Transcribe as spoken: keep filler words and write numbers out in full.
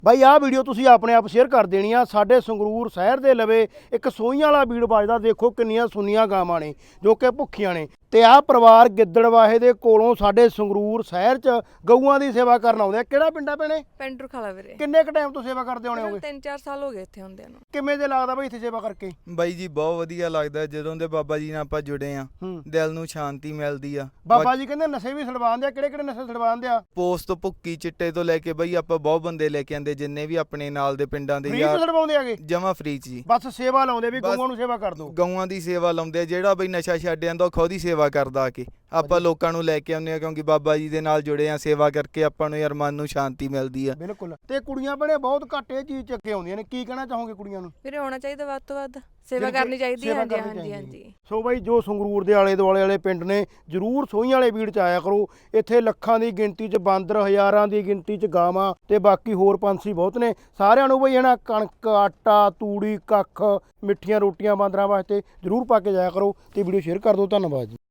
ਬਾਈ ਆਹ ਵੀਡੀਓ ਤੁਸੀਂ ਆਪਣੇ ਆਪ ਸ਼ੇਅਰ ਕਰ ਦੇਣੀ ਆ। ਸਾਡੇ ਸੰਗਰੂਰ ਸ਼ਹਿਰ ਦੇ ਲਵੇ ਇੱਕ ਸੋਈਆਂ ਵਾਲਾ ਬੀੜ ਵੱਜਦਾ, ਦੇਖੋ ਕਿੰਨੀਆਂ ਸੁੰਨੀਆਂ ਗਾਵਾਂ ਨੇ ਜੋ ਕਿ ਭੁੱਖੀਆਂ ਨੇ। ਤੇ ਆਹ ਪਰਿਵਾਰ ਗਿੱਦੜਵਾਹੇ ਦੇ ਕੋਲੋਂ ਸਾਡੇ ਸੰਗਰੂਰ ਸ਼ਹਿਰ 'ਚ ਗਊਆਂ ਦੀ ਸੇਵਾ ਕਰਨ ਆਉਂਦੇ ਆ। ਕਿਹੜਾ ਪਿੰਡ ਆ ਭੈਣੇ? ਪਿੰਡ ਰੁਖਾਲਾ ਵੀਰੇ। ਕਿੰਨੇ ਕੁ ਟਾਈਮ ਤੋਂ ਸੇਵਾ ਕਰਦੇ ਆਉਣੇ ਹੋਗੇ? ਤਿੰਨ ਚਾਰ ਸਾਲ ਹੋ ਗਏ ਇੱਥੇ ਹੁੰਦਿਆਂ ਨੂੰ। ਕਿਵੇਂ ਦੇ ਲੱਗਦਾ ਬਾਈ ਇੱਥੇ ਸੇਵਾ ਕਰਕੇ? ਬਾਈ ਜੀ ਬਹੁਤ ਵਧੀਆ ਲੱਗਦਾ, ਜਦੋਂ ਦੇ ਬਾਬਾ ਜੀ ਨਾਲ ਆਪਾਂ ਜੁੜੇ ਆ ਦਿਲ ਨੂੰ ਸ਼ਾਂਤੀ ਮਿਲਦੀ ਆ। ਬਾਬਾ ਜੀ ਕਹਿੰਦੇ ਨਸ਼ੇ ਵੀ ਛਡਵਾਉਂਦੇ ਆ, ਕਿਹੜੇ ਕਿਹੜੇ ਨਸ਼ੇ ਛਡਵਾਉਂਦੇ ਆ? ਪੋਸਟ ਤੋਂ ਭੁੱਕੀ ਚਿੱਟੇ ਤੋਂ ਲੈ ਕੇ ਬਾਈ ਆਪਾਂ ਬਹੁਤ ਬੰਦੇ ਲੈ ਕੇ ਆਂਦੇ, ਜਿੰਨੇ ਵੀ ਆਪਣੇ ਨਾਲ ਦੇ ਪਿੰਡਾਂ ਦੇ ਯਾਰ ਛਡਵਾਉਂਦੇ ਆਗੇ ਜਮਾ ਫ੍ਰੀ ਚ ਜੀ। ਬਸ ਸੇਵਾ ਲਾਉਂਦੇ ਵੀ ਗਊਆਂ ਨੂੰ ਸੇਵਾ ਕਰ ਦੋ। ਗਊਆਂ ਦੀ ਸੇਵਾ ਲਾਉਂਦੇ ਆ, ਜਿਹੜਾ ਬਈ ਨਸ਼ਾ ਛੱਡ ਜਾਂਦਾ ਉਹ ਖੁਦ ਹੀ ਸੇਵਾ ਕਰਦਾ ਆ ਕੇ। ਆਪਾਂ ਲੋਕਾਂ ਨੂੰ ਲੈ ਕੇ ਆਉਂਦੇ ਆ ਕਿਉਂਕਿ ਬਾਬਾ ਜੀ ਦੇ ਨਾਲ ਜੁੜੇ ਆ, ਸੇਵਾ ਕਰਕੇ ਆਪਾਂ ਨੂੰ ਯਾਰ ਮਨ ਨੂੰ ਸ਼ਾਂਤੀ ਮਿਲਦੀ ਆ। ਬਿਲਕੁਲ। ਤੇ ਕੁੜੀਆਂ ਬਣੇ ਬਹੁਤ ਘੱਟ ਇਹ ਚੀਜ਼ ਚੱਕੇ ਆਉਂਦੀਆਂ ਨੇ, ਕੀ ਕਹਿਣਾ ਚਾਹੋਗੇ ਕੁੜੀਆਂ ਨੂੰ? ਵੀਰੇ ਆਉਣਾ ਚਾਹੀਦਾ, ਵੱਧ ਤੋਂ ਵੱਧ ਸੇਵਾ ਕਰਨੀ ਚਾਹੀਦੀ ਹੈ। ਹਾਂਜੀ ਹਾਂਜੀ ਹਾਂਜੀ। ਸੋ ਬਾਈ ਜੋ ਸੰਗਰੂਰ ਦੇ ਆਲੇ ਦੁਆਲੇ ਵਾਲੇ ਪਿੰਡ ਨੇ ਜ਼ਰੂਰ ਸੋਈਆਂ ਵਾਲੇ ਬੀੜ 'ਚ ਆਇਆ ਕਰੋ। ਇੱਥੇ ਲੱਖਾਂ ਦੀ ਗਿਣਤੀ 'ਚ ਬਾਂਦਰ, ਹਜ਼ਾਰਾਂ ਦੀ ਗਿਣਤੀ 'ਚ ਗਾਵਾਂ ਤੇ ਬਾਕੀ ਹੋਰ ਪੰਛੀ ਬਹੁਤ ਨੇ। ਸਾਰਿਆਂ ਨੂੰ ਬਈ ਹਨਾ ਕਣਕ, ਆਟਾ, ਤੂੜੀ, ਕੱਖ, ਮਿੱਠੀਆਂ ਰੋਟੀਆਂ ਬਾਂਦਰਾਂ ਵਾਸਤੇ ਜ਼ਰੂਰ ਪਾ ਕੇ ਜਾਇਆ ਕਰੋ ਤੇ ਵੀਡੀਓ ਸ਼ੇਅਰ ਕਰ ਦਿਓ। ਧੰਨਵਾਦ ਜੀ।